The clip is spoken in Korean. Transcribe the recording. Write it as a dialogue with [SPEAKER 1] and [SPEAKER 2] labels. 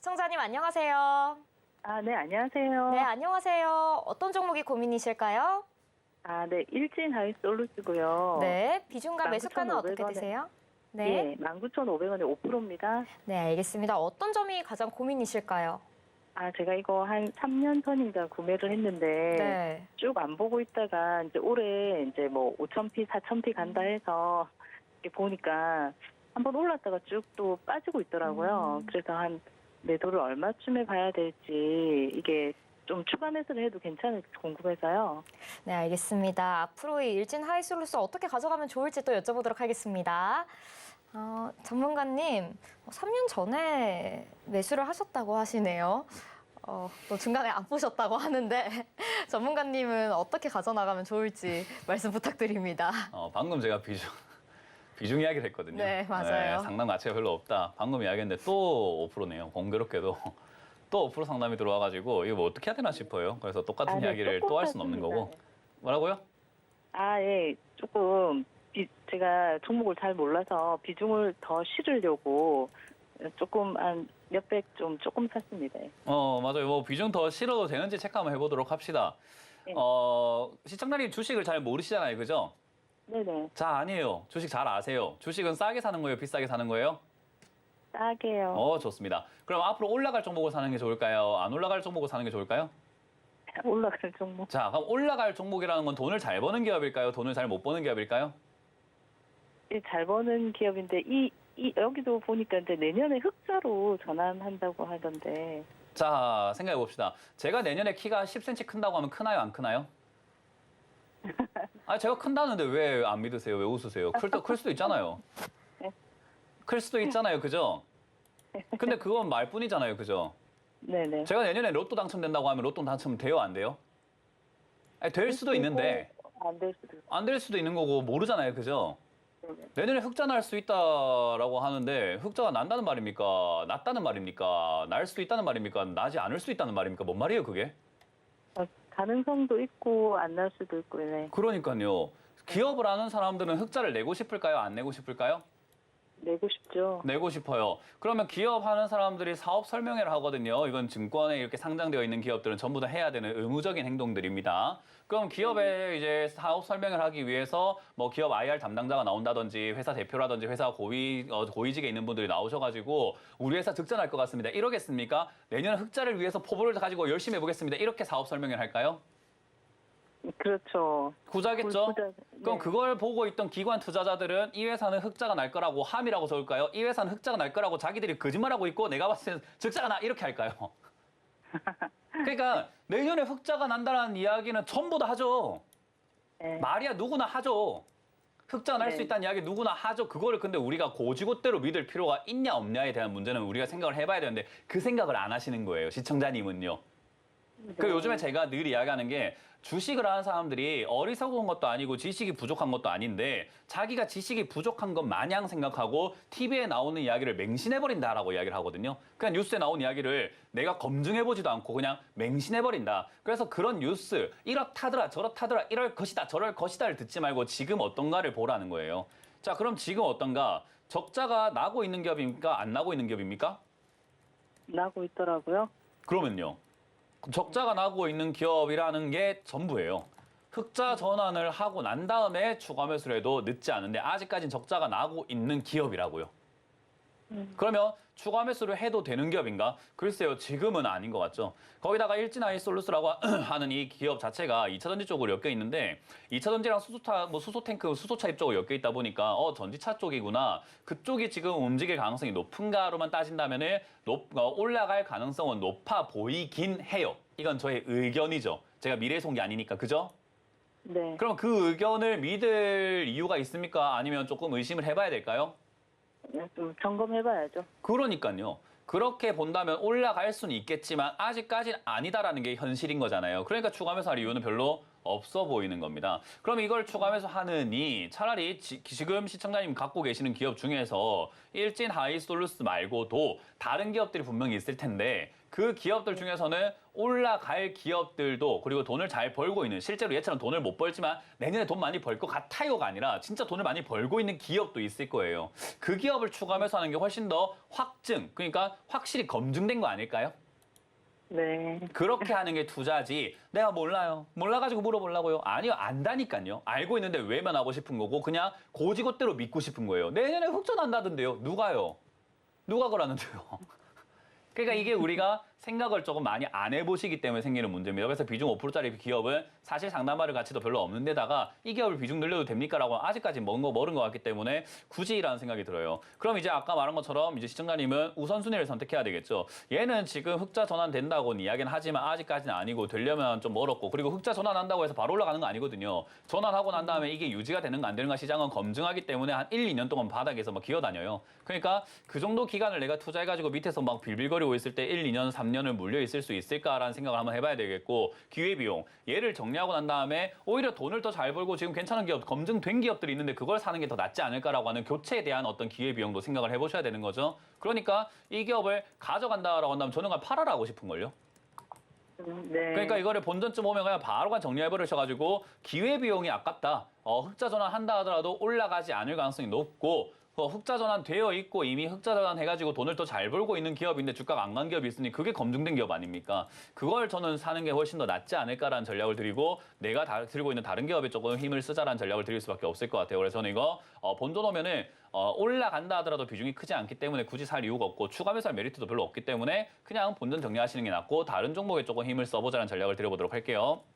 [SPEAKER 1] 시청자님 안녕하세요.
[SPEAKER 2] 네, 안녕하세요.
[SPEAKER 1] 네, 안녕하세요. 어떤 종목이 고민이실까요?
[SPEAKER 2] 네, 일진 하이솔루스고요.
[SPEAKER 1] 네, 비중과 매수가는
[SPEAKER 2] 19,500
[SPEAKER 1] 어떻게
[SPEAKER 2] 원에
[SPEAKER 1] 되세요?
[SPEAKER 2] 네,
[SPEAKER 1] 네,
[SPEAKER 2] 19,500원에 5%입니다.
[SPEAKER 1] 네, 알겠습니다. 어떤 점이 가장 고민이실까요?
[SPEAKER 2] 제가 이거 한 3년 전인가 구매를 했는데
[SPEAKER 1] 네,
[SPEAKER 2] 쭉 안 보고 있다가 이제 올해 이제 뭐 5,000p, 4,000p 간다 해서 이렇게 보니까 한번 올랐다가 쭉 또 빠지고 있더라고요. 그래서 한 매도를 얼마쯤에 봐야 될지 이게 좀 추가 매수를 해도 괜찮을지 궁금해서요.
[SPEAKER 1] 네, 알겠습니다. 앞으로의 일진 하이솔루스 어떻게 가져가면 좋을지 또 여쭤보도록 하겠습니다. 전문가님, 3년 전에 매수를 하셨다고 하시네요. 또 중간에 안 보셨다고 하는데 전문가님은 어떻게 가져나가면 좋을지 말씀 부탁드립니다.
[SPEAKER 3] 방금 제가 비중 이야기를 했거든요.
[SPEAKER 1] 네, 맞아요.
[SPEAKER 3] 상담 가치가 별로 없다. 방금 이야기했는데 또 5%네요. 공교롭게도 또 5% 상담이 들어와가지고 이거 뭐 어떻게 해야 되나 싶어요. 그래서 똑같은
[SPEAKER 2] 네,
[SPEAKER 3] 이야기를 또 할 수는 없는 거고. 뭐라고요?
[SPEAKER 2] 예, 조금 제가 종목을 잘 몰라서 비중을 더 실으려고 조금 한 몇백 좀 조금 샀습니다.
[SPEAKER 3] 맞아요. 뭐 비중 더 실어도 되는지 체크 한번 해보도록 합시다.
[SPEAKER 2] 네.
[SPEAKER 3] 시청자님 주식을 잘 모르시잖아요. 그죠?
[SPEAKER 2] 네네.
[SPEAKER 3] 자, 아니에요. 주식 잘 아세요. 주식은 싸게 사는 거예요? 비싸게 사는 거예요?
[SPEAKER 2] 싸게요.
[SPEAKER 3] 좋습니다. 그럼 앞으로 올라갈 종목을 사는 게 좋을까요? 안 올라갈 종목을 사는 게 좋을까요?
[SPEAKER 2] 올라갈 종목.
[SPEAKER 3] 자, 그럼 올라갈 종목이라는 건 돈을 잘 버는 기업일까요? 돈을 잘 못 버는 기업일까요?
[SPEAKER 2] 잘 버는 기업인데 여기도 보니까 이제 내년에 흑자로 전환한다고 하던데.
[SPEAKER 3] 자, 생각해 봅시다. 제가 내년에 키가 10cm 큰다고 하면 크나요? 안 크나요? 제가 큰다는데 왜 안 믿으세요? 왜 웃으세요? 클 수도 있잖아요. 클 수도 있잖아요. 그죠? 근데 그건 말뿐이잖아요. 그죠?
[SPEAKER 2] 네네.
[SPEAKER 3] 제가 내년에 로또 당첨된다고 하면 로또 당첨돼요? 안 돼요? 될 수도 있는데
[SPEAKER 2] 안 될 수도 있고.
[SPEAKER 3] 안 될 수도 있는 거고 모르잖아요. 그죠? 내년에 흑자 날 수 있다라고 하는데 흑자가 난다는 말입니까? 났다는 말입니까? 날 수도 있다는 말입니까? 나지 않을 수 있다는 말입니까? 뭔 말이에요, 그게?
[SPEAKER 2] 가능성도 있고 안 날 수도 있고. 네.
[SPEAKER 3] 그러니까요. 기업을 하는 사람들은 흑자를 내고 싶을까요? 안 내고 싶을까요?
[SPEAKER 2] 내고 싶죠.
[SPEAKER 3] 내고 싶어요. 그러면 기업하는 사람들이 사업 설명회를 하거든요. 이건 증권에 이렇게 상장되어 있는 기업들은 전부 다 해야 되는 의무적인 행동들입니다. 그럼 기업에 이제 사업 설명을 하기 위해서 뭐 기업 IR 담당자가 나온다든지 회사 대표라든지 회사 고위직에 있는 분들이 나오셔가지고 우리 회사 득자 날 것 같습니다. 이러겠습니까? 내년 흑자를 위해서 포부를 가지고 열심히 해보겠습니다. 이렇게 사업 설명을 할까요?
[SPEAKER 2] 그렇죠.
[SPEAKER 3] 후자겠죠?
[SPEAKER 2] 네.
[SPEAKER 3] 그럼 그걸 보고 있던 기관 투자자들은 이 회사는 흑자가 날 거라고 함이라고 적을까요? 이 회사는 흑자가 날 거라고 자기들이 거짓말하고 있고 내가 봤을 때는 적자가 나 이렇게 할까요? 그러니까 내년에 흑자가 난다는 이야기는 전부 다 하죠.
[SPEAKER 2] 네.
[SPEAKER 3] 말이야 누구나 하죠. 흑자 날 수
[SPEAKER 2] 네.
[SPEAKER 3] 있다는 이야기 누구나 하죠. 그거를 근데 우리가 고지고대로 믿을 필요가 있냐 없냐에 대한 문제는 우리가 생각을 해봐야 되는데 그 생각을 안 하시는 거예요. 시청자님은요. 그 요즘에 제가 늘 이야기하는 게 주식을 하는 사람들이 어리석은 것도 아니고 지식이 부족한 것도 아닌데 자기가 지식이 부족한 것 마냥 생각하고 TV에 나오는 이야기를 맹신해버린다라고 이야기를 하거든요. 그냥 뉴스에 나온 이야기를 내가 검증해보지도 않고 그냥 맹신해버린다. 그래서 그런 뉴스 이렇다더라 저렇다더라 이럴 것이다 저럴 것이다를 듣지 말고 지금 어떤가를 보라는 거예요. 자, 그럼 지금 어떤가? 적자가 나고 있는 기업입니까? 안 나고 있는 기업입니까?
[SPEAKER 2] 나고 있더라고요.
[SPEAKER 3] 그러면요. 적자가 나고 있는 기업이라는 게 전부예요. 흑자 전환을 하고 난 다음에 추가 매수를 해도 늦지 않은데 아직까지는 적자가 나고 있는 기업이라고요. 그러면 추가 매수를 해도 되는 기업인가? 글쎄요, 지금은 아닌 것 같죠. 거기다가 일진하이솔루스라고 하는 이 기업 자체가 2차전지 쪽으로 엮여 있는데 2차전지랑 수소탱크, 수소차 입쪽으로 엮여 있다 보니까 전지차 쪽이구나. 그쪽이 지금 움직일 가능성이 높은가로만 따진다면은 올라갈 가능성은 높아 보이긴 해요. 이건 저의 의견이죠. 제가 미래에 쏜 게 아니니까, 그죠?
[SPEAKER 2] 네.
[SPEAKER 3] 그럼 그 의견을 믿을 이유가 있습니까? 아니면 조금 의심을 해봐야 될까요?
[SPEAKER 2] 좀 점검해봐야죠.
[SPEAKER 3] 그러니까요. 그렇게 본다면 올라갈 수는 있겠지만 아직까지는 아니다라는 게 현실인 거잖아요. 그러니까 추가 매수할 이유는 별로 없어 보이는 겁니다. 그럼 이걸 추가하면서 하느니 차라리 지금 시청자님 갖고 계시는 기업 중에서 일진 하이솔루스 말고도 다른 기업들이 분명히 있을 텐데 그 기업들 중에서는 올라갈 기업들도 그리고 돈을 잘 벌고 있는 실제로 얘처럼 돈을 못 벌지만 내년에 돈 많이 벌 것 같아요가 아니라 진짜 돈을 많이 벌고 있는 기업도 있을 거예요. 그 기업을 추가하면서 하는 게 훨씬 더 확증, 그러니까 확실히 검증된 거 아닐까요?
[SPEAKER 2] 네.
[SPEAKER 3] 그렇게 하는 게 투자지. 내가 몰라요. 몰라가지고 물어보려고요. 아니요, 안다니까요. 알고 있는데 외면하고 싶은 거고 그냥 고지고대로 믿고 싶은 거예요. 내년에 흑전한다던데요. 누가요? 누가 그러는데요? 그러니까 이게 우리가 생각을 조금 많이 안 해보시기 때문에 생기는 문제입니다. 그래서 비중 5%짜리 기업은 사실 상담받을 가치도 별로 없는 데다가 이 기업을 비중 늘려도 됩니까라고 아직까지 먼 거 모른 것 같기 때문에 굳이라는 생각이 들어요. 그럼 이제 아까 말한 것처럼 이제 시청자님은 우선순위를 선택해야 되겠죠. 얘는 지금 흑자 전환된다고는 이야기는 하지만 아직까지는 아니고 되려면 좀 멀었고 그리고 흑자 전환한다고 해서 바로 올라가는 거 아니거든요. 전환하고 난 다음에 이게 유지가 되는가 안 되는가 시장은 검증하기 때문에 한 1, 2년 동안 바닥에서 막 기어다녀요. 그러니까 그 정도 기간을 내가 투자해가지고 밑에서 막 빌빌거리고 있을 때 1, 2년, 3년을 물려 있을 수 있을까라는 생각을 한번 해봐야 되겠고 기회비용 얘를 정리하고 난 다음에 오히려 돈을 더 잘 벌고 지금 괜찮은 기업 검증된 기업들이 있는데 그걸 사는 게 더 낫지 않을까라고 하는 교체에 대한 어떤 기회비용도 생각을 해보셔야 되는 거죠. 그러니까 이 기업을 가져간다라고 한다면 저는 그냥 팔아라 하고 싶은걸요.
[SPEAKER 2] 네.
[SPEAKER 3] 그러니까 이거를 본전쯤 오면 그냥 바로 그냥 정리해버리셔가지고 기회비용이 아깝다. 흑자 전환한다 하더라도 올라가지 않을 가능성이 높고 흑자 전환 되어 있고 이미 흑자 전환 해가지고 돈을 더 잘 벌고 있는 기업인데 주가가 안 간 기업이 있으니 그게 검증된 기업 아닙니까? 그걸 저는 사는 게 훨씬 더 낫지 않을까라는 전략을 드리고 내가 들고 있는 다른 기업에 조금 힘을 쓰자라는 전략을 드릴 수밖에 없을 것 같아요. 그래서 저는 이거 본전 오면은 올라간다 하더라도 비중이 크지 않기 때문에 굳이 살 이유가 없고 추가 매수할 메리트도 별로 없기 때문에 그냥 본전 정리하시는 게 낫고 다른 종목에 조금 힘을 써보자는 전략을 드려보도록 할게요.